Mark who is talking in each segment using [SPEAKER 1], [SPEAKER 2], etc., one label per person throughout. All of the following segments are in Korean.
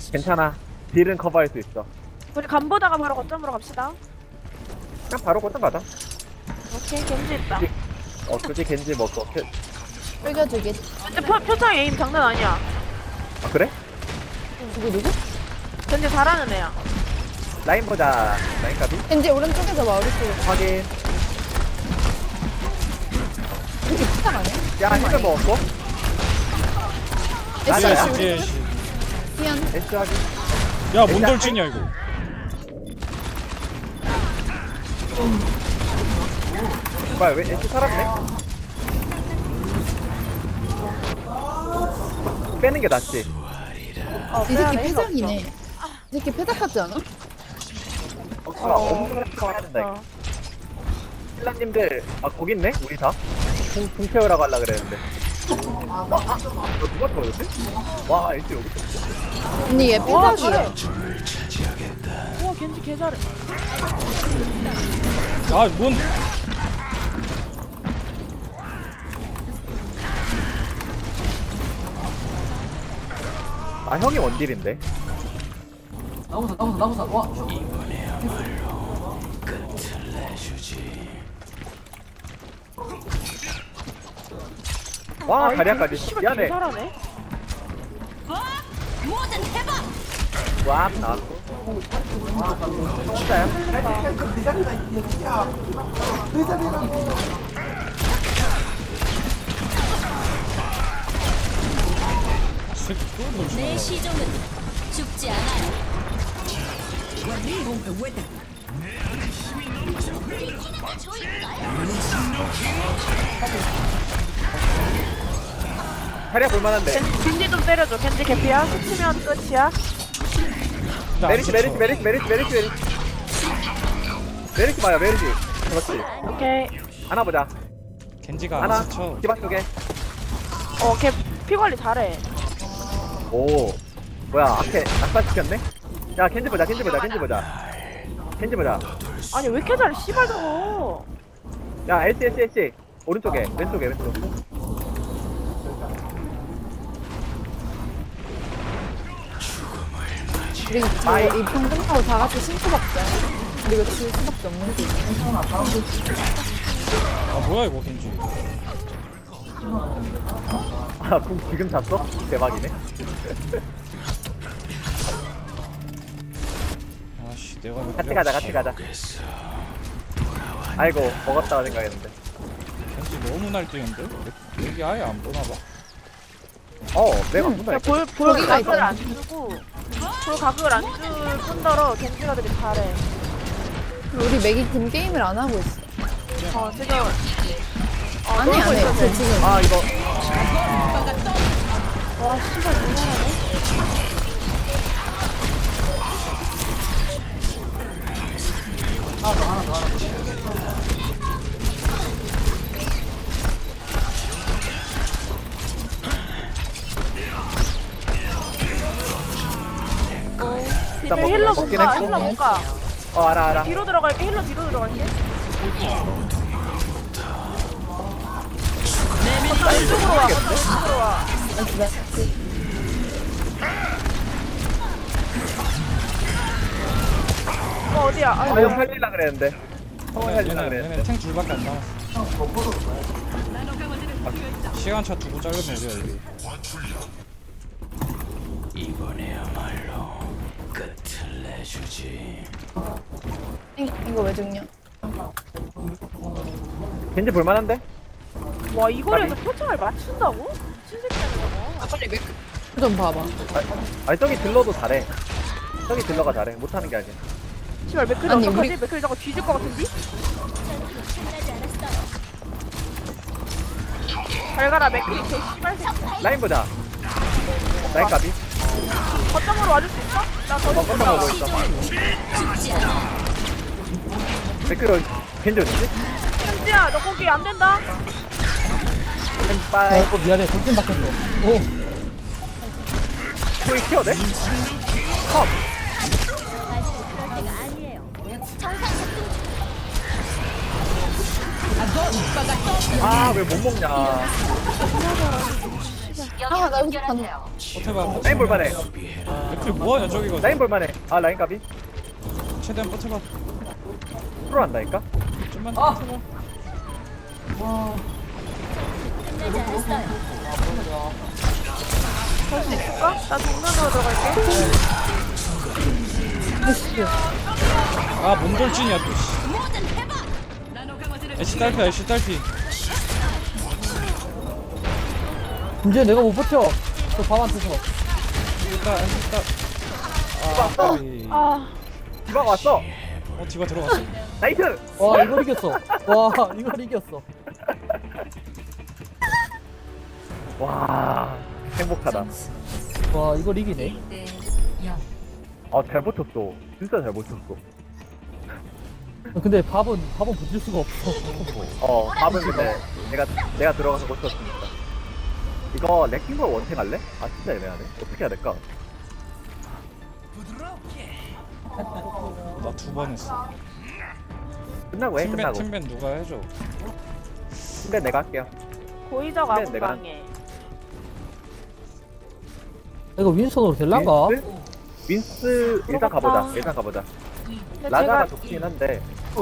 [SPEAKER 1] 괜찮아. 딜은 커버할 수 있어.
[SPEAKER 2] 우리 간 보다가 바로 거점으로 갑시다.
[SPEAKER 1] 그냥 바로 거점 가자.
[SPEAKER 2] 오케이, 겐지 있다.
[SPEAKER 1] 굳이 겐지 뭐 또.
[SPEAKER 3] 끌겨주기.
[SPEAKER 2] 근데 표창 에임 장난 아니야.
[SPEAKER 1] 아 그래?
[SPEAKER 3] 누구?
[SPEAKER 2] 겐지 잘하는 애야.
[SPEAKER 1] 라인 보자. 라인 가비.
[SPEAKER 3] 왠지 오른쪽에서 봐, 오른쪽에.
[SPEAKER 1] 확인.
[SPEAKER 3] 이렇게 피탈 아니야?
[SPEAKER 1] 야 힐을 먹었고. 맞아요?
[SPEAKER 3] 애쉬,
[SPEAKER 4] 예, 씨.
[SPEAKER 3] 미안.
[SPEAKER 1] S 확인.
[SPEAKER 4] 야, 뭔 돌진이야 이거.
[SPEAKER 1] 뭐야 왜 S 살았네? 빼는 게 낫지.
[SPEAKER 3] 이 새끼 패작이네. 이 새끼 패작 같지 않아?
[SPEAKER 1] 엄청 해야 된다. 신라님들 거기 있네? 우리 다? 궁 태우라고 하려 그랬는데. 너 누가 터졌지? 와 S 여기 있어.
[SPEAKER 3] 언니 얘
[SPEAKER 2] 와,
[SPEAKER 3] 패작이야.
[SPEAKER 2] 우와, 겐지 개 잘해.
[SPEAKER 4] 아, 뭔.
[SPEAKER 1] 아 형이 원딜인데.
[SPEAKER 5] 나무사 와
[SPEAKER 1] 와
[SPEAKER 2] 이
[SPEAKER 1] 다리아까지.
[SPEAKER 2] 겐지 씨발 개
[SPEAKER 1] 미안해.
[SPEAKER 2] 잘하네.
[SPEAKER 1] 와 나왔고. 혼자야?
[SPEAKER 4] 새끼 또 돌진.
[SPEAKER 6] 내 시종은 죽지 않아요.
[SPEAKER 1] 다리아 볼만한데.
[SPEAKER 2] 겐지 좀 때려줘. 겐지 개피야. 스치면 끝이야.
[SPEAKER 1] 메리시 봐요 메리시. 그렇지.
[SPEAKER 2] 오케이.
[SPEAKER 1] 하나 보자.
[SPEAKER 4] 겐지가
[SPEAKER 1] 하나.
[SPEAKER 4] 안 스쳐.
[SPEAKER 1] 디바 쪽에.
[SPEAKER 2] 걔 피 관리 잘해.
[SPEAKER 1] 오. 뭐야 앞에 낙사시켰네? 야 켄지 보자. 켄지 보자.
[SPEAKER 2] 아니, 왜 이렇게 잘해, 씨발 저거.
[SPEAKER 1] 야 S 오른쪽에 왼쪽.
[SPEAKER 3] 그리고
[SPEAKER 1] 아이.
[SPEAKER 3] 이편 끝나고 다 같이 신고 박자. 그리고 질 수밖에 없는 게.
[SPEAKER 4] 아, 뭐야 이거 겐지.
[SPEAKER 1] 아궁 지금 잤어? 대박이네.
[SPEAKER 4] 아씨, 내가 왜
[SPEAKER 1] 같이
[SPEAKER 4] 그래.
[SPEAKER 1] 가자. 아이고 먹었다고 생각했는데.
[SPEAKER 4] 겐지 너무 날뛰는데? 여기 아예 안 보나 봐.
[SPEAKER 1] 내가 문다.
[SPEAKER 2] 야, 볼
[SPEAKER 3] 거기가
[SPEAKER 2] 각을
[SPEAKER 3] 있잖아.
[SPEAKER 2] 안 주고, 볼 각을 안 줄 뿐더러 겐지가 되게 잘해.
[SPEAKER 3] 우리 맥이 팀 게임을 안 하고 있어.
[SPEAKER 2] 지금.
[SPEAKER 3] 아니,
[SPEAKER 2] 놀고
[SPEAKER 3] 안 해.
[SPEAKER 2] 있어,
[SPEAKER 3] 쟤 지금.
[SPEAKER 1] 아 이거
[SPEAKER 2] 와, 씨발, 너무 잘하네.
[SPEAKER 1] 일단
[SPEAKER 2] 이제 힐러 못
[SPEAKER 1] 먹긴
[SPEAKER 2] 가,
[SPEAKER 1] 했고.
[SPEAKER 2] 힐러 못 가.
[SPEAKER 1] 알아.
[SPEAKER 2] 뒤로 들어갈게, 힐러 뒤로 들어갈게. 왼쪽으로 와, 왼쪽으로 와. 어디야?
[SPEAKER 1] 아 이거 살릴라 그랬는데. 살릴라
[SPEAKER 4] 얘네
[SPEAKER 1] 그랬는데.
[SPEAKER 4] 얘네 탱 둘밖에 안 남았어. 시간차 두고 자르면 돼요 여기.
[SPEAKER 3] 이거 왜 죽냐?
[SPEAKER 1] 겐지 볼만한데?
[SPEAKER 2] 와, 이거에서 표창을 맞춘다고? 신세계는 저거.
[SPEAKER 3] 좀 봐봐.
[SPEAKER 1] 아니 저기 딜러도 잘해. 저기 딜러가 잘해. 못하는 게 아니야.
[SPEAKER 2] 씨발, 맥클이
[SPEAKER 3] 아니,
[SPEAKER 2] 어떡하지?
[SPEAKER 3] 우리-
[SPEAKER 2] 맥클이 저거 뒤질 것 같은데? 잘 가라, 맥클이 개 씨발 새끼.
[SPEAKER 1] 라인 보자. 라인 가비.
[SPEAKER 2] 거점으로 와줄 수 있어? 나더
[SPEAKER 1] 깜짝 먹고 있어.
[SPEAKER 6] 죽지 않아요.
[SPEAKER 1] 댓글 겐지 어디지?
[SPEAKER 2] 현지야, 너 거기 안 된다?
[SPEAKER 1] 햄빨.
[SPEAKER 5] 미안해 돌진 박혔어 오
[SPEAKER 1] 소위 키워대? 컵.
[SPEAKER 6] 그럴 때가 아니에요.
[SPEAKER 1] 아 왜 못 먹냐.
[SPEAKER 3] 아, 나 여기서 가는.
[SPEAKER 4] 버텨봐.
[SPEAKER 1] 라인 볼만해.
[SPEAKER 4] 맥클이 뭐하냐 저기가.
[SPEAKER 1] 라인 볼만해. 아 라인 까비.
[SPEAKER 4] 최대한 버텨봐.
[SPEAKER 1] 프로 한다니까.
[SPEAKER 4] 좀만 더 버텨봐.
[SPEAKER 6] 끝나지 않았어요.
[SPEAKER 2] 할 수 있을까? 나 정면으로 들어갈게.
[SPEAKER 4] 아 몸돌진이야 또. 애쉬 딸피야 애쉬 딸피.
[SPEAKER 5] 이제 내가 못 버텨. 저 밥한테서.
[SPEAKER 4] 일단 일단.
[SPEAKER 2] 아,
[SPEAKER 1] 디바가 왔어.
[SPEAKER 4] 디바 들어갔어.
[SPEAKER 1] 나이스.
[SPEAKER 5] 와, 이걸 이겼어. 와, 이걸 이겼어.
[SPEAKER 1] 와 행복하다.
[SPEAKER 5] 와, 이걸 이기네.
[SPEAKER 1] 잘 버텼어. 진짜 잘 버텼어.
[SPEAKER 5] 근데 밥은 버틸 수가 없어.
[SPEAKER 1] 밥은 근데 내가 들어가서 버텼으니까. 이거 레킹볼 원탱 할래? 아 진짜 애매하네. 어떻게 해야 될까?
[SPEAKER 4] 나 두 번 했어.
[SPEAKER 1] 끝나고 해.
[SPEAKER 4] 팀벤
[SPEAKER 1] 끝나고.
[SPEAKER 4] 팀벤 누가 해줘.
[SPEAKER 1] 근데 내가 할게요.
[SPEAKER 2] 고의적
[SPEAKER 1] 근데 내가-
[SPEAKER 2] 아군방해.
[SPEAKER 5] 이거 윈스턴으로 될란가?
[SPEAKER 1] 윈스 일단 가보자. 일단 가보자.
[SPEAKER 2] 근데
[SPEAKER 1] 라자가
[SPEAKER 2] 제가
[SPEAKER 1] 좋긴 한데.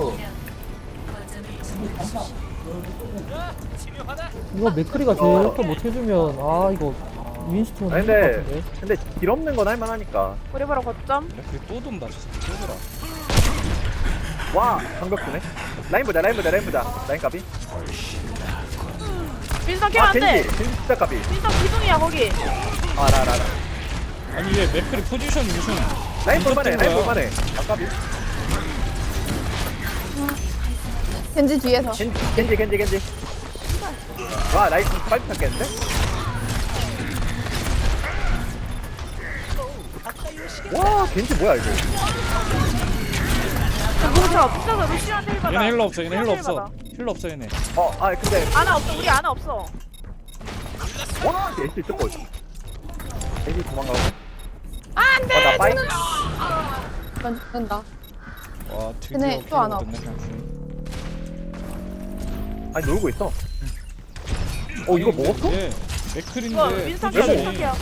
[SPEAKER 5] 이거 맥크리가 저렇게 못해주면 아 이거 윈스턴
[SPEAKER 1] 아니
[SPEAKER 5] 힘들 것 같은데.
[SPEAKER 1] 근데 길 없는 건 할만하니까.
[SPEAKER 2] 우리 바로 거점.
[SPEAKER 4] 맥클이 또 돈다 저 새끼 또
[SPEAKER 1] 와 방벽 주네. 라인 보자. 라인 까비.
[SPEAKER 2] 윈스턴 캐면 안 돼.
[SPEAKER 1] 겐지 진짜 까비.
[SPEAKER 2] 윈스턴 기둥이야 거기.
[SPEAKER 1] 라라.
[SPEAKER 4] 아니 얘 맥클이 포지션이 무슨
[SPEAKER 1] 라인 볼만해.
[SPEAKER 4] 미쳤던
[SPEAKER 1] 라인
[SPEAKER 4] 거야.
[SPEAKER 1] 볼만해. 까비.
[SPEAKER 3] 겐지 뒤에서.
[SPEAKER 1] 겐지. 와 라인 빨리 찾겠는데? 와 겐지 뭐야 이거?
[SPEAKER 2] 뭉쳐. 붙여서 루시한테 힐 받아.
[SPEAKER 4] 얘네 힐러 없어 얘네 힐러
[SPEAKER 2] 루시한테
[SPEAKER 4] 없어 힐러 없어 얘네.
[SPEAKER 1] 근데
[SPEAKER 2] 아나 없어. 우리 아나 없어.
[SPEAKER 1] 와 애쉬 뜯고 있어. 애쉬 도망가고.
[SPEAKER 2] 안돼.
[SPEAKER 1] 나 빠이.
[SPEAKER 3] 난 죽는다.
[SPEAKER 4] 와
[SPEAKER 3] 근데
[SPEAKER 4] 드디어
[SPEAKER 3] 또안 와.
[SPEAKER 4] 킬러거든요, 그냥.
[SPEAKER 1] 아니 놀고 있어. 이거 먹었어?
[SPEAKER 4] 얘
[SPEAKER 2] 이거
[SPEAKER 4] 맥클인데
[SPEAKER 2] 윈스턴 캐. 윈스턴 캐.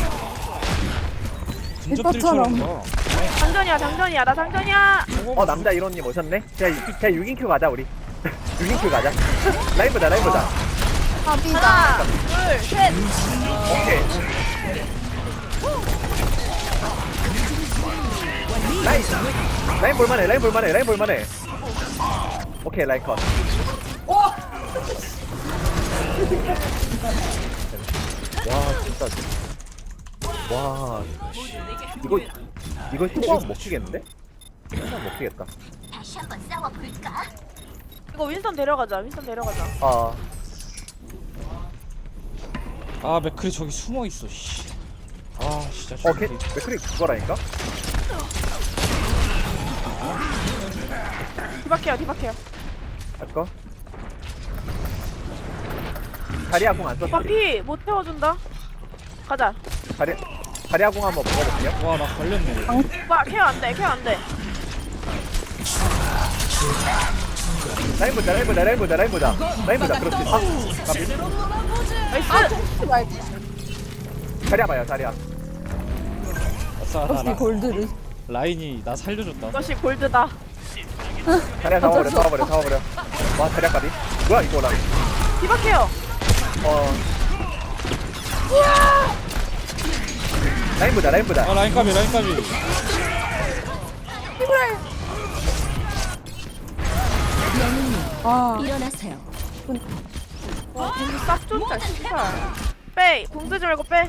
[SPEAKER 4] 근접들처럼 가.
[SPEAKER 2] 장전이야. 나 장전이야.
[SPEAKER 1] 남자 이론님 오셨네? 그냥 6인큐 가자 우리. 6인큐 가자. 라인 보자.
[SPEAKER 3] 밥이다.
[SPEAKER 2] 하나, 둘, 셋.
[SPEAKER 1] 오케이. 라인 볼만해. 오케이 라인 컷. 와 진짜. 와 이거 슈퍼 먹히겠는데? 슈퍼 먹히겠다.
[SPEAKER 6] 다시 한번 싸워볼까?
[SPEAKER 2] 이거 윈스턴 데려가자.
[SPEAKER 4] 아 맥클이 저기 숨어 있어. 씨. 아 진짜.
[SPEAKER 1] 맥크리 그거라니까?
[SPEAKER 2] 디박해요.
[SPEAKER 1] 할거? 다리아 공안 썼지?
[SPEAKER 2] 오빠 못 태워준다. 가자.
[SPEAKER 1] 다리아 공 한번 먹어볼게요.
[SPEAKER 4] 와나 걸렸네.
[SPEAKER 2] 오빠 케어 안 돼.
[SPEAKER 1] 라인 보자. 그렇지. 까비.
[SPEAKER 2] 나이스.
[SPEAKER 1] 다리아 봐요, 다리아.
[SPEAKER 4] 아싸
[SPEAKER 3] 역시
[SPEAKER 4] 나
[SPEAKER 3] 골드를.
[SPEAKER 4] 라인이 나 살려줬다.
[SPEAKER 2] 이것이 골드다.
[SPEAKER 1] 다리아 잡아버려. 와, 다리아 까비. 뭐야, 이거 나.
[SPEAKER 2] 디박해요.
[SPEAKER 1] 라인 보자.
[SPEAKER 4] 아 라인 까비.
[SPEAKER 6] 일어나세요.
[SPEAKER 2] 와, 겐지 싹 쫀다, 씨발. 빼! 공 쓰지 말고 빼!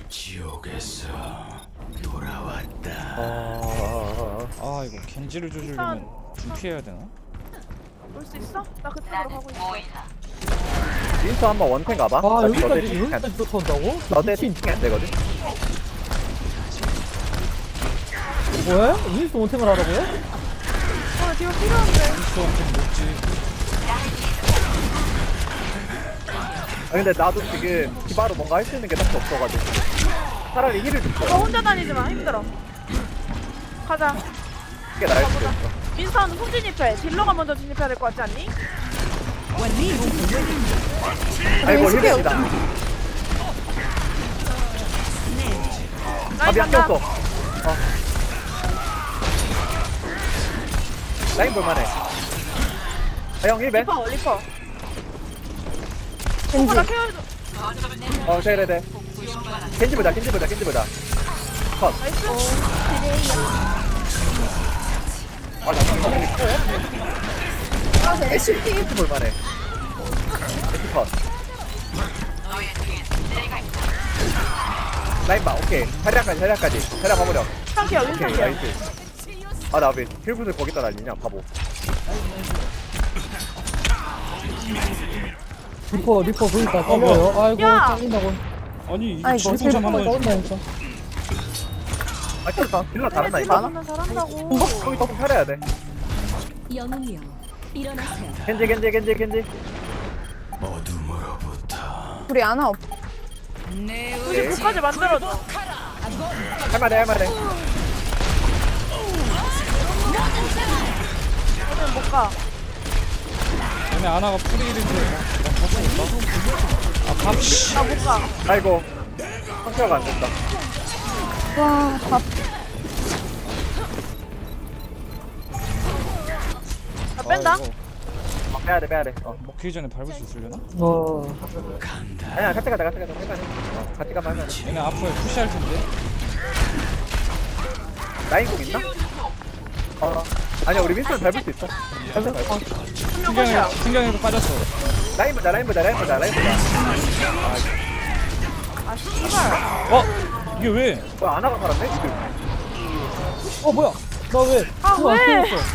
[SPEAKER 4] 아 이거 겐지를 조주려면 준피해야 되나?
[SPEAKER 2] 올 수 있어? 나 그쪽으로 가고 있어.
[SPEAKER 1] 윈서 한번 원탱 가봐.
[SPEAKER 5] 아
[SPEAKER 1] 너네
[SPEAKER 5] 여기까지
[SPEAKER 1] 팀
[SPEAKER 5] 여기까지 쫓아온다고?
[SPEAKER 1] 너네
[SPEAKER 5] 미친.
[SPEAKER 1] 팀이 안 되거든?
[SPEAKER 5] 뭐야? 윈스턴 원탱을 하라고요?
[SPEAKER 2] 뒤로 필요한데.
[SPEAKER 4] 좀 먹지.
[SPEAKER 1] 근데 나도 지금 디바로 뭔가 할 수 있는 게 딱히 없어가지고. 차라리 힐을
[SPEAKER 2] 너
[SPEAKER 1] 줄게.
[SPEAKER 2] 혼자 다니지 마, 힘들어. 가자.
[SPEAKER 1] 그게 나을 수도 있어.
[SPEAKER 2] 민선 손 진입해. 딜러가 먼저 진입해야 될 것 같지 않니?
[SPEAKER 1] 아이고,
[SPEAKER 3] 쉽게
[SPEAKER 1] 힐이다.
[SPEAKER 2] 라인
[SPEAKER 1] 안
[SPEAKER 2] 간다.
[SPEAKER 1] 꼈어. 라인 볼만해. 형 1배.
[SPEAKER 2] 리퍼.
[SPEAKER 3] 겐지.
[SPEAKER 2] 나 케어해줘.
[SPEAKER 1] 네. 겐지 보자. 컷.
[SPEAKER 2] 나이스.
[SPEAKER 3] 애쉬피.
[SPEAKER 1] 겐지 볼만해. 겐지 컷. 라인 봐. 오케이. 자리까지. 자리 가버려.
[SPEAKER 2] 상키야,
[SPEAKER 1] 오케이.
[SPEAKER 2] 윈상키야.
[SPEAKER 1] 나이스. 나 왜 힐굿을 거기다 날리냐 바보.
[SPEAKER 5] 리퍼 보니까 떠버려. 아이고
[SPEAKER 2] 야!
[SPEAKER 5] 잘린다고.
[SPEAKER 4] 아니 이게
[SPEAKER 3] 아이고,
[SPEAKER 4] 질풍참
[SPEAKER 3] 셀프가
[SPEAKER 4] 한번
[SPEAKER 5] 떠온다니까.
[SPEAKER 1] 아 힐러 다르나
[SPEAKER 2] 집
[SPEAKER 1] 이거?
[SPEAKER 2] 많으면 잘한다고.
[SPEAKER 1] 거기 더 살아야 돼.
[SPEAKER 6] 영웅이여 일어나세요.
[SPEAKER 1] 겐지.
[SPEAKER 3] 우리 아나 없.
[SPEAKER 2] 굳이 불까지 만들어줘.
[SPEAKER 1] 할만해.
[SPEAKER 2] 오늘 못 가.
[SPEAKER 4] 얘네 아나가 프리일인데
[SPEAKER 2] 나 못 가.
[SPEAKER 1] 아이고. 상처가 안 된다.
[SPEAKER 3] 와, 밥.
[SPEAKER 2] 나 뺀다.
[SPEAKER 1] 빼야돼.
[SPEAKER 4] 먹기 전에 밟을 수 있으려나?
[SPEAKER 1] 아니야 같이 가자. 할만해. 같이 가면 할만해.
[SPEAKER 4] 얘네 앞으로 푸시할 텐데.
[SPEAKER 1] 라인 공 있나? 아니야 우리 윈스턴 밟을 수 있어.
[SPEAKER 4] 신경에도 빠졌어.
[SPEAKER 1] 라인 보자.
[SPEAKER 2] 아, 씨발.
[SPEAKER 4] 어? 이게 왜?
[SPEAKER 1] 뭐야 아나가 살았네 지금.
[SPEAKER 5] 뭐야? 나 왜?
[SPEAKER 2] 아,
[SPEAKER 5] 궁안
[SPEAKER 2] 왜?
[SPEAKER 5] 켜졌어.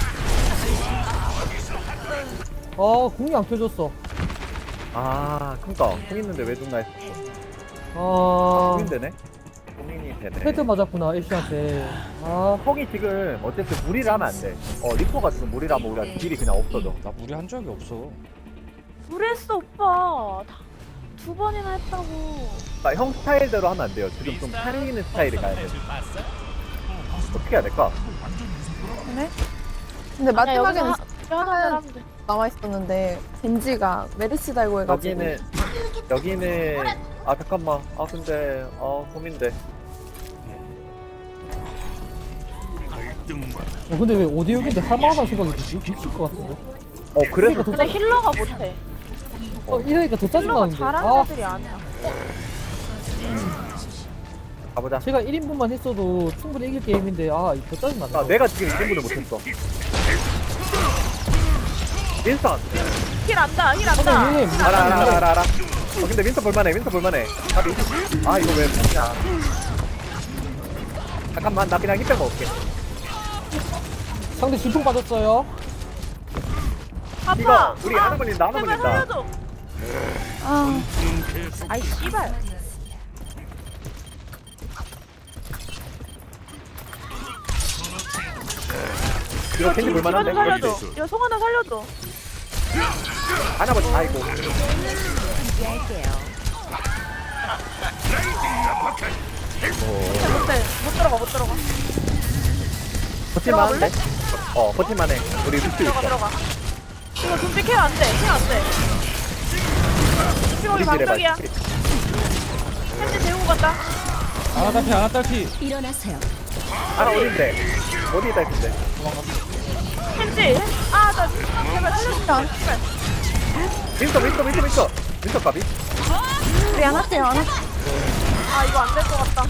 [SPEAKER 5] 궁이 안 켜졌어.
[SPEAKER 1] 그니까 공 있는데 왜 죽나 했어.
[SPEAKER 5] 아,
[SPEAKER 1] 공인 되네. 공인이 되네.
[SPEAKER 5] 헤드 맞았구나 애쉬한테.
[SPEAKER 1] fog이 지금 어쨌든 무리를 하면 안 돼. 리퍼가 지금 무리를 하면 우리가 딜이 그냥 없어져.
[SPEAKER 4] 나 무리한 적이 없어.
[SPEAKER 2] 그랬어, 오빠. 두 번이나 했다고.
[SPEAKER 1] 그러니까 형 스타일대로 하면 안 돼요. 지금 좀 살리는 스타일이 가야 돼. 어떻게 해야 될까?
[SPEAKER 3] 그래? 근데 마지막에는
[SPEAKER 2] 하나 하면 돼.
[SPEAKER 3] 남아 있었는데 겐지가 메르시 달고 해가지고.
[SPEAKER 1] 여기는 잠깐만. 근데 고민돼.
[SPEAKER 5] 근데 왜 오디오인데 할만하다는 생각이 들지? 미칠 것 같은데.
[SPEAKER 1] 그래서
[SPEAKER 2] 근데 힐러가 못해.
[SPEAKER 5] 이러니까 더
[SPEAKER 2] 힐러가
[SPEAKER 5] 짜증나는데.
[SPEAKER 2] 잘하는 애들이 아니야.
[SPEAKER 1] 가보자.
[SPEAKER 5] 제가 1인분만 했어도 충분히 이길 게임인데 더 짜증난다.
[SPEAKER 1] 내가 지금 2분을 못했어. 윈스턴.
[SPEAKER 2] 힐 안다.
[SPEAKER 5] 선생님,
[SPEAKER 1] 알아. 근데 윈스턴 볼만해. 가비. 이거 왜 못냐. 잠깐만 나 그냥 힙백 먹을게.
[SPEAKER 5] 상대 진풍 빠졌어요.
[SPEAKER 2] 아파.
[SPEAKER 1] 이거 우리 하나 걸린다.
[SPEAKER 2] 제발 살려줘.
[SPEAKER 3] 아,
[SPEAKER 2] 아이, 씨발.
[SPEAKER 1] 이거 캔디
[SPEAKER 2] 이거
[SPEAKER 1] 볼만한데?
[SPEAKER 2] 좀 살려줘. 이거 송 하나 살려줘.
[SPEAKER 1] 하나 보자. 아이고.
[SPEAKER 2] 못해. 못 들어가.
[SPEAKER 1] 버틸만한데? 버틸만해. 우리 루트 있어.
[SPEAKER 2] 들어가. 이거 좀비 케어 안 돼. 지금 우리 방적이야. 현재 재우고 간다.
[SPEAKER 4] 아나 딸피.
[SPEAKER 6] 일어나세요.
[SPEAKER 1] 하나 어딘데? 어디 있다 했는데?
[SPEAKER 2] 현재. 나 제발 살려줘.
[SPEAKER 1] 윈스턴 가비?
[SPEAKER 3] 우리 안 할게요, 안 할게요.
[SPEAKER 2] 이거 안 될 것 같다.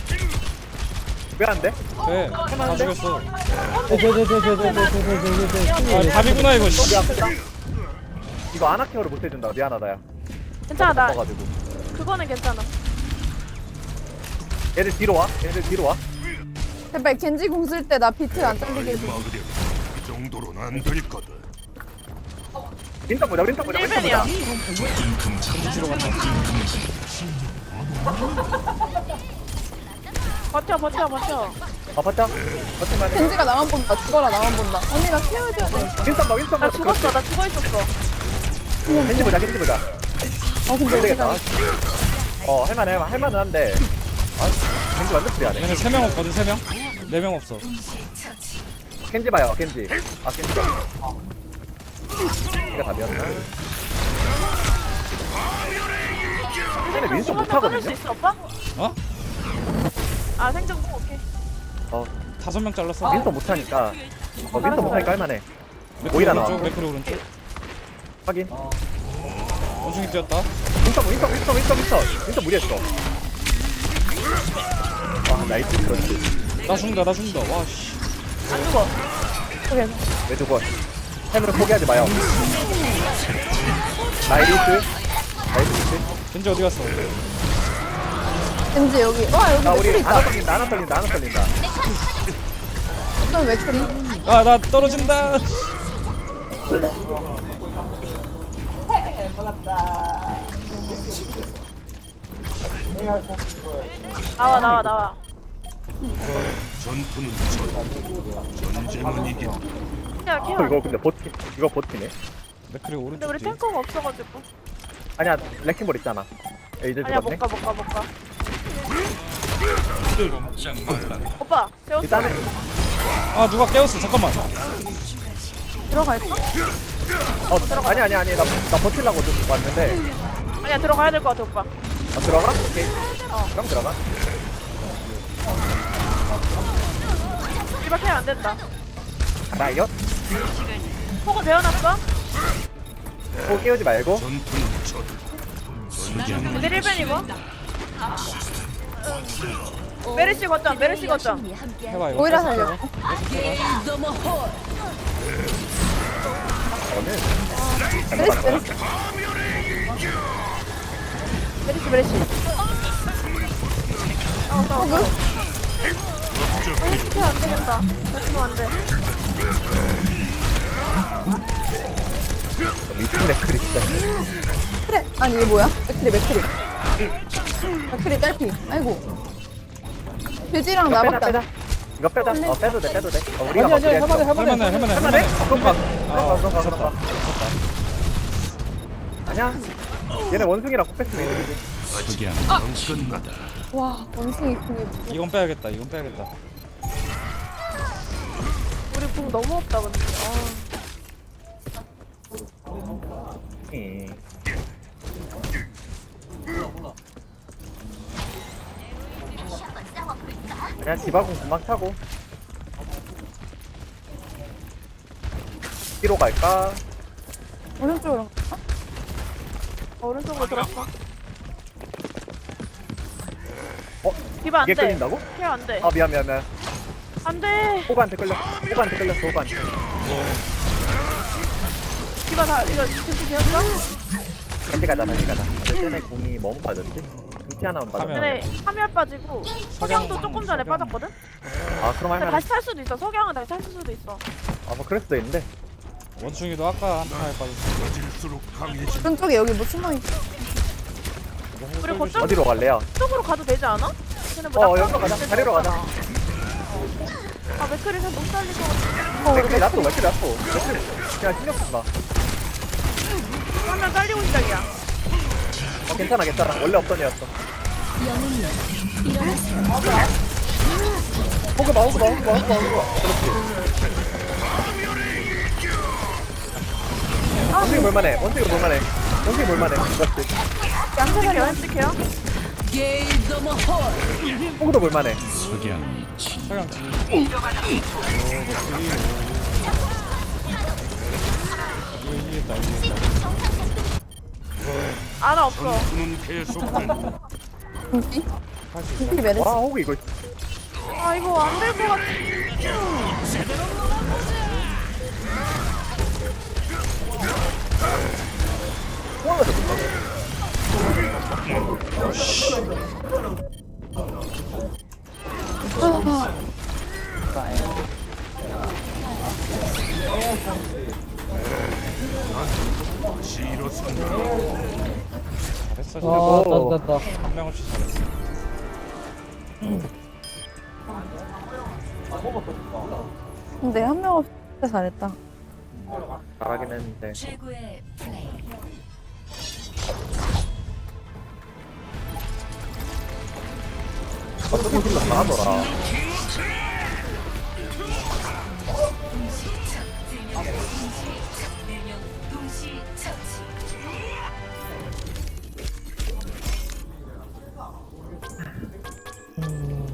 [SPEAKER 1] 왜 안 돼?
[SPEAKER 4] 네. 다 죽였어. 답이구나 이거. 씨.
[SPEAKER 1] 이거 아나케어를 못 해준다. 미안하다 야.
[SPEAKER 2] 괜찮아, 나
[SPEAKER 1] 가지고.
[SPEAKER 2] 그거는 괜찮아.
[SPEAKER 1] 얘들 뒤로 와.
[SPEAKER 3] 제발 겐지 공 쓸 때 나 비트 안 잘리게 해줘.
[SPEAKER 7] 이 정도로는 안 될 거다.
[SPEAKER 1] 윈스턴 보자.
[SPEAKER 2] 1벤이야. 버텨.
[SPEAKER 1] 버틸만해.
[SPEAKER 3] 겐지가 나만 본다. 죽어라, 나만 본다. 언니 나 케어해줘야 돼.
[SPEAKER 1] 윈스턴 봐.
[SPEAKER 2] 나 죽었어. 나 죽어있었어.
[SPEAKER 1] 겐지 보자.
[SPEAKER 3] 근데
[SPEAKER 1] 안 되겠다.
[SPEAKER 3] 어디가
[SPEAKER 1] 할만은 한데. 겐지 완전 프리하네.
[SPEAKER 4] 얘네 3명 없거든 3명? 4명 없어.
[SPEAKER 1] 겐지 봐요. 겐지가. 이가 답이었나? 얘네 윈스턴
[SPEAKER 2] 받을 수
[SPEAKER 1] 못하거든요?
[SPEAKER 2] 있어, 오빠?
[SPEAKER 4] 어?
[SPEAKER 2] 아 생존 오케이.
[SPEAKER 4] 5명 잘랐어.
[SPEAKER 1] 윈터 못하니까 윈터 못하니까 할만해.
[SPEAKER 4] 맥크리
[SPEAKER 1] 오히려
[SPEAKER 4] 오른쪽,
[SPEAKER 1] 나와.
[SPEAKER 4] 맥크리 오른쪽.
[SPEAKER 1] 확인.
[SPEAKER 4] 원숭이 뛰었다.
[SPEAKER 1] 윈터 무리했어. 와 나이스 그렇지.
[SPEAKER 4] 나 죽는다, 나 죽는다. 와, 씨.
[SPEAKER 2] 안 죽어. 그래.
[SPEAKER 1] 왜 죽어? 햄을 포기하지 마요. 나이스.
[SPEAKER 4] 겐지 어디 갔어?
[SPEAKER 3] 왠지 여기 여기
[SPEAKER 1] 아 우리
[SPEAKER 3] 맥클이 있다.
[SPEAKER 1] 하나 떨린다.
[SPEAKER 3] 어떤 맥클이?
[SPEAKER 4] 아, 나 떨어진다.
[SPEAKER 2] 나와.
[SPEAKER 7] 전투는 전쟁은 이긴다.
[SPEAKER 2] 야 케어.
[SPEAKER 1] 이거 근데 이거 버티네.
[SPEAKER 4] 맥크리
[SPEAKER 2] 근데
[SPEAKER 4] 오른쪽
[SPEAKER 2] 우리
[SPEAKER 4] 뒤.
[SPEAKER 2] 탱커가 없어가지고.
[SPEAKER 1] 아니야 레킹볼 있잖아. 이제
[SPEAKER 2] 아니야
[SPEAKER 1] 죽었네.
[SPEAKER 2] 못 가. 오빠 세웠어.
[SPEAKER 1] 일단은
[SPEAKER 4] 아, 누가 깨웠어. 잠깐만.
[SPEAKER 2] 들어갈까?
[SPEAKER 1] 아니 나 버틸라고 좀 왔는데.
[SPEAKER 2] 아니야 들어가야 될 것 같아 오빠.
[SPEAKER 1] 들어가? 오케이. 그럼 들어가.
[SPEAKER 2] 이밖에 안 된다.
[SPEAKER 1] 라이엇?
[SPEAKER 2] 폭은 배워놨어?
[SPEAKER 1] 꼭 깨우지 말고.
[SPEAKER 7] 전투는 전쟁은
[SPEAKER 2] 근데 1변 입어. 메르시 거점.
[SPEAKER 4] 해봐, 이거.
[SPEAKER 3] 오히려 살려.
[SPEAKER 2] 메르시. 메르시 안 되겠다. 다치면 안 돼.
[SPEAKER 1] 미친 레크리 진짜.
[SPEAKER 3] 그래. 아니 이게 뭐야? 맥클이. 맥클이 딸피. 아이고. 돼지랑 나밖에 안.
[SPEAKER 1] 이거 빼자. 빼도 돼. 우리가
[SPEAKER 5] 아니
[SPEAKER 1] 막
[SPEAKER 5] 아니
[SPEAKER 1] 그랬어.
[SPEAKER 4] 할만해.
[SPEAKER 1] 그럼 가. 아니야. 얘네 원숭이랑 코패스면 이득이지.
[SPEAKER 7] 석양 끝나다.
[SPEAKER 3] 와 원숭이 궁이.
[SPEAKER 4] 이건 빼야겠다.
[SPEAKER 2] 우리 궁 너무 없다 근데.
[SPEAKER 1] 그냥 디바공 금방 차고. 뒤로 갈까?
[SPEAKER 3] 오른쪽으로.
[SPEAKER 2] 오른쪽으로 들었어.
[SPEAKER 1] 이게
[SPEAKER 2] 디바 안 돼.
[SPEAKER 1] 끌린다고?
[SPEAKER 2] 케어 안 돼.
[SPEAKER 1] 미안.
[SPEAKER 2] 안 돼.
[SPEAKER 1] 호구한테 끌렸어. 호구한테.
[SPEAKER 2] 디바 다 이거 진짜 되었어?
[SPEAKER 1] 같이 가자. 쟤네 공이 너무 빠졌지? 등치 하나만 빠졌네.
[SPEAKER 2] 근데 카미알 빠지고 석양도 조금 전에 빠졌거든?
[SPEAKER 1] 그럼
[SPEAKER 2] 근데
[SPEAKER 1] 할만해.
[SPEAKER 2] 다시 탈 수도 있어. 석양은 다시 탈 수도 있어.
[SPEAKER 1] 뭐 그럴 수도 있는데.
[SPEAKER 4] 원숭이도 아까 한 판에 빠졌어.
[SPEAKER 7] 빠질수록 강해진
[SPEAKER 3] 오른쪽에 여기 뭐 숨어 있어.
[SPEAKER 2] 우리 거점
[SPEAKER 1] 어디로 갈래요?
[SPEAKER 2] 쪽으로 가도 되지 않아? 쟤네 뭐 낙하산
[SPEAKER 1] 여기로 가자.
[SPEAKER 2] 있을
[SPEAKER 1] 자리로
[SPEAKER 2] 거잖아.
[SPEAKER 1] 가자.
[SPEAKER 2] 맥크리에서 못 살릴 것 같아.
[SPEAKER 1] 맥클이 놔둬. 그냥 신경 쓰지 마.
[SPEAKER 2] 한명 잘리고 시작이야.
[SPEAKER 1] 괜찮아. 원래 없던 애였어.
[SPEAKER 6] 영웅이여 일어나세요.
[SPEAKER 1] 호그 봐. 그렇지. 원숭이 볼만해. 그렇지.
[SPEAKER 2] 얌색해요.
[SPEAKER 1] 호그도 볼만해.
[SPEAKER 7] 석양
[SPEAKER 4] 서양 뒤. 이기겠다.
[SPEAKER 2] 아나 없어.
[SPEAKER 7] 전투는 계속된다.
[SPEAKER 3] 궁기?
[SPEAKER 4] 할수 있어.
[SPEAKER 3] 궁기 메르시.
[SPEAKER 1] 호그 이거.
[SPEAKER 2] 아 이거 안 될 것 같아.
[SPEAKER 7] 시로선
[SPEAKER 4] 잘했어.
[SPEAKER 5] 땄다.
[SPEAKER 4] 한 명 없이 잘했어.
[SPEAKER 3] 근데 한 명 없이 진짜 잘했다.
[SPEAKER 1] 잘하긴 했는데.
[SPEAKER 6] 최고의 플레이.
[SPEAKER 1] 어떻게 힐러 잘하더라.
[SPEAKER 6] 동시 처치.